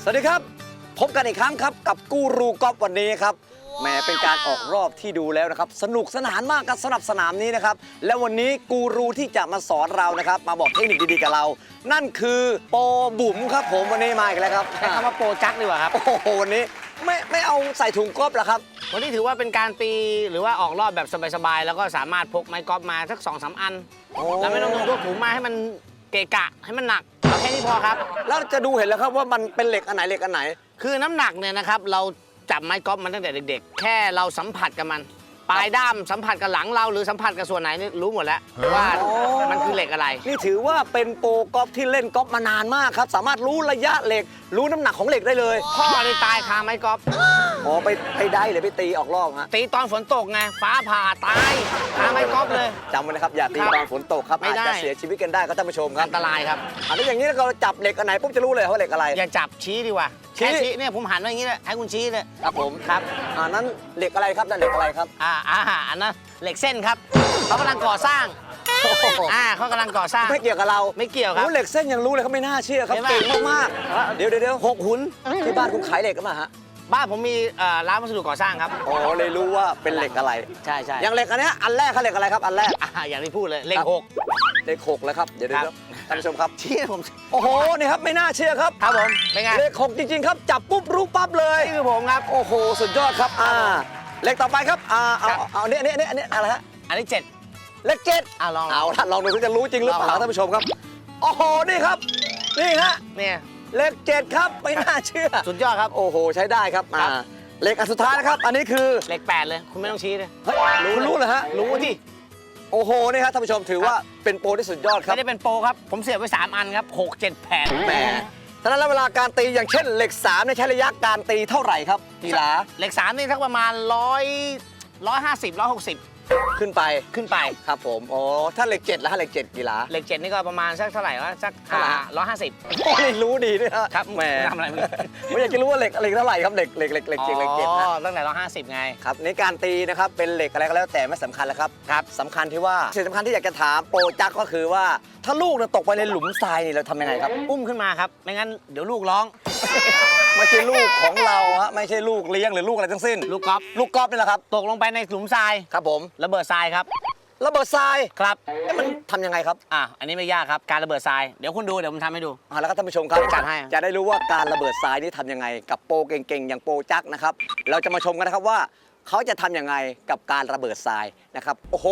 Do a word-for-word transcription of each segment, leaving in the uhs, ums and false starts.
วัสดีครับพบกันอีกครั้งครับกับกูรูกอล์ฟวันนี้ครับแหมเป็นการออกรอบที่ดูแล้วนะครับสนุกสนานมากกับสำหรับสนามนี้นะครับและวันนี้กูรูที่จะมาสอนเรานะครับมาบอกเทคนิคดีๆกับเรานั่นคือโปรบุ๋มครับผมวันนี้มาอีกแล้วครับใช้คำว่าโปรจักดีกว่าครับโอ้โหวันนี้ไม่ไม่เอาใส่ถุงกอล์ฟหรอครับวันนี้ถือว่าเป็นการตีหรือว่าออกรอบแบบสบายๆแล้วก็สามารถพกไม้กอล์ฟมาสักสองสามอันแล้วไม่ต้องพกถุงมาให้มันเกะกะให้มันหนักเอาแค่นี้พอครับแล้วจะดูเห็นแล้วครับว่ามันเป็นเหล็กอันไหนเหล็กอันไหนคือน้ำหนักเนี่ยนะครับเราจับไม้กอล์ฟมันตั้งแต่เด็กๆแค่เราสัมผัสกับมันปลายด้ามสัมผัสกับหลังเราหรือสัมผัสกับส่วนไหนนี่รู้หมดแล้วว่ามันคือเหล็กอะไรนี่ถือว่าเป็นโปรกอล์ฟที่เล่นกอล์ฟมานานมากครับสามารถรู้ระยะเหล็กรู้น้ำหนักของเหล็กได้เลยพ่อได้ตายคาไม้กอล์ฟอ๋อไปไปได้หรือไปตีออกรอบฮะตีตอนฝนตกไงฟ้าผ่าตายคาไม้กอล์ฟเลยจำไว้นะครับอย่าตีตอนฝนตกครับอาจจะเสียชีวิตกันได้ครับท่านผู้ชมครับอันตรายครับอันนี้อย่างนี้เราจับเหล็กอันไหนปุ๊บจะรู้เลยว่าเหล็กอะไรอย่าจับชี้ดีกว่าแค่ชี้เนี่ยผมหันไว้อย่างนี้เลยให้คุณชี้เลยครับผมครับอ่านั้นเหล็กอะไรครับนั่นเหล็กอะไรครับอ่าอ่าอันนั้นเหล็กเส้นครับเขากำลังก่อสร้างอ่าเขากำลังก่อสร้างไม่เกี่ยวกับเราไม่เกี่ยวครับเหล็กเส้นยังรู้เลยเขาไม่น่าเชื่อครับเก่งมากๆเดี๋ยวเดี๋ยวหกหุ่นที่บ้านคุณขายเหล็กกันมาฮะบ้านผมมีร้านวัสดุก่อสร้างครับอ๋อเลยรู้ว่าเป็นเหล็กอะไรใช่ใช่อย่างเหล็กอันนี้อันแรกเขาเหล็กอะไรครับอันแรกอ่าอย่างที่พูดเลยเหล็กหกเหล็กหกแล้วครับเดี๋ยวเดี๋ยวท่านผู้ชมครับชี้ผมโอ้โหนี่ครับไม่น่าเชื่อครับครับผมเป็นไงเหล็กหกจริงๆครับจับปุ๊บรู้ปั๊บเลยนี่คือผมครับโอ้โหสุดยอดครับอ่าเหล็กต่อไปครับอ่าเอาเอาเนี้ยเนี้ยเนี้ยเนี้ยอะไรฮะอันนี้เจ็ดเลขเจ็ดอ่าลองเอาท่านลองดูจะรู้จริงหรือเปล่าท่านผู้ชมครับโอ้โหนี่ครับนี่ฮะเนี่ยเลขเจ็ดครับไม่น่าเชื่อสุดยอดครับโอ้โหใช้ได้ครับอ่าเลขอันสุดท้ายนะครับอันนี้คือเลขแปดเลยคุณไม่ต้องชี้เลยรู้รู้เหรอฮะรู้ที่โอ้โหนี่ครับท่านผู้ชมถือว่าเป็นโปรที่สุดยอดครับไม่ได้เป็นโปรครับผมเสียบไว้สามอันครับหกเจ็ดแผ่นแหมฉะนั้นแล้วเวลาการตีอย่างเช่นเหล็กสามเนี่ยใช้ระยะการตีเท่าไหร่ครับกีฬาเหล็กสามนี่สักประมาณร้อยร้อยห้าสิบร้อยหกสิบขึ้นไปขึ้นไปครับผมอ๋อถ้าเหล็กเจ็ดแล้วเหล็กเจ็ดกีฬาเหล็กเจ็ดนี่ก็ประมาณสักเท่าไหร่วะสักร้อยห้าสิบโอ้ยรู้ดีด้วยครับแหมทำอะไรไม่อยากจะรู้ว่าเหล็กเหล็กเท่าไหร่ครับเหล็กเหล็กเหล็กเหล็กเจ็ดเหล็กเจ็ดนะตั้งแต่ร้อยห้าสิบไงครับในการตีนะครับเป็นเหล็กอะไรก็แล้วแต่ไม่สำคัญแล้วครับครับสำคัญที่ว่าสิ่งสำคัญที่อยากจะถามโปรจักก็คือว่าถ้าลูกเนี่ยตกไปในหลุมทรายนี่เราทำยังไงครับอุ้มขึ้นมาครับไม่งั้นเดี๋ยวลูกร้องไม่ใช่ลูกของเราฮะไม่ใช่ลูกเลี้ยงหรือลูกอะไรทั้งสิ้นลูกกอล์ฟลูกกอล์ฟนี่แหละครับตกลงไปในหลุมทรายครับผมระเบิดทรายครับระเบิดทรายครับมันทำยังไงครับอ่ะอันนี้ไม่ยากครับการระเบิดทรายเดี๋ยวคุณดูเดี๋ยวผมทำให้ดูอ่าแล้วก็ท่านผู้ชมครับจัดให้จะได้รู้ว่าการระเบิดทรายนี่ทำยังไงกับโปรเก่งๆอย่างโปรจักนะครับเราจะมาชมกันนะครับว่าเขาจะทำยังไงกับการระเบิดทรายนะครับโอ้โห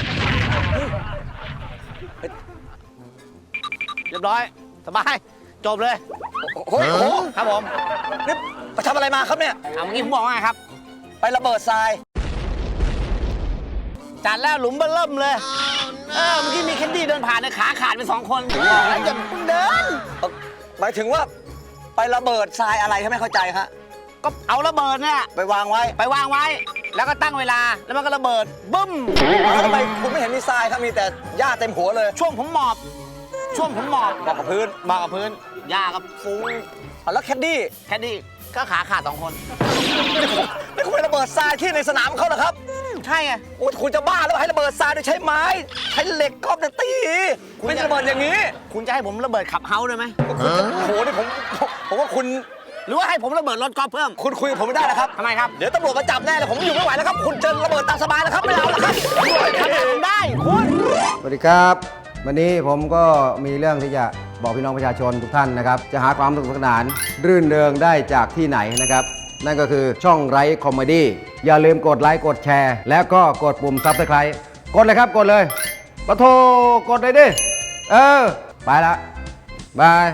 เรียบร้อยสบายจบเลยโอ้โหครับผมนี่ไปทำอะไรมาครับเนี่ยเอาเมื่อกี้ผมบอกว่าไงครับไประเบิดทรายจัดแล้วหลุมเบิ่มเลยเออเมื่อกี้มีแคนดี้เดินผ่านในขาขาดไปสองคนแล้วจะเดินหมายถึงว่าไประเบิดทรายอะไรครับไม่เข้าใจฮะก็เอาระเบิดเนี่ยไปวางไว้ไปวางไว้แล้วก็ตั้งเวลาแล้วมันก็ระเบิดบึ้มทำไมคุณไม่เห็นมีทรายครับมีแต่หญ้าเต็มหัวเลยช่วงผมหมอบช่วงผมหมอบหมอบกับพื้นหมอบกับพื้นหญ้ากับฟุ้งแล้วแคดดี้แคดดี้ก็ขาขาดสองคนนี่คุณไประเบิดทรายที่ในสนามเขาเหรอครับใช่ไงโอ้คุณจะบ้าแล้วให้ระเบิดทรายโดยใช้ไม้ใช้เหล็กกอล์ฟตีคุณจะระเบิดอย่างนี้คุณจะให้ผมระเบิดขับเฮาส์ได้ไหมโอ้โหนี่ผมผมว่าคุณหรือว่าให้ผมระเบิดรถกอล์ฟเพิ่มคุณคุยกับผมไม่ได้นะครับทำไมครับเดี๋ยวตำรวจมาจับแน่เลยผมอยู่ไม่ไหวแล้วครับคุณจะระเบิดตามสบายแล้วครับไม่เอาแล้วครับทำผมได้คุณสวัสดีครับวันนี้ผมก็มีเรื่องที่จะบอกพี่น้องประชาชนทุกท่านนะครับจะหาความสนุกสนานรื่นเริงได้จากที่ไหนนะครับนั่นก็คือช่องไร้คอมเมดี้อย่าลืมกดไลค์กดแชร์แล้วก็กดปุ่มซับสไครต์กดเลยครับกดเลยปะโทกดเลยดิเออไปละบาย